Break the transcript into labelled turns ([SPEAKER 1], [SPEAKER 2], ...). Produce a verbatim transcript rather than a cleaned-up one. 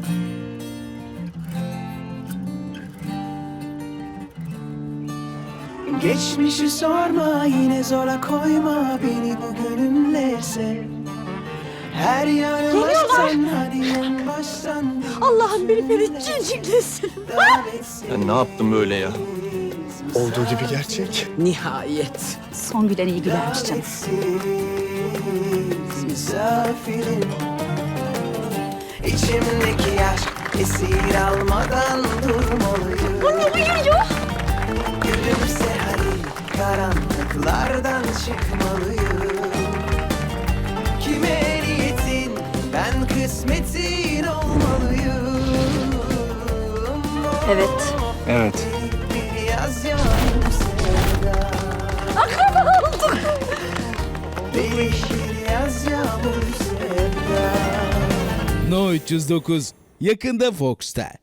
[SPEAKER 1] Geçmişi sorma, yine zora koyma beni bugünümle sev. Her yanım aşktan, hadi en baştan.
[SPEAKER 2] Allah'ım beni beni ciciklesin.
[SPEAKER 3] Ben ne yaptım böyle ya?
[SPEAKER 4] Olduğu gibi gerçek.
[SPEAKER 2] Nihayet.
[SPEAKER 5] Son gülen iyi gülermiş canım.
[SPEAKER 1] Misafirim, İçimdeki aşk esir almadan durmalıyım.
[SPEAKER 2] Anne uyuyor.
[SPEAKER 1] Gülümse hadi, karanlıklardan çıkmalıyım. Kime niyetin, ben kısmetin olmalıyım.
[SPEAKER 5] Evet.
[SPEAKER 4] Evet.
[SPEAKER 1] Bir yaz yağmur sevda.
[SPEAKER 2] Akraba olduk.
[SPEAKER 1] Bir yaz yağmur sevda.
[SPEAKER 6] No üç yüz dokuz yakında Fox'ta.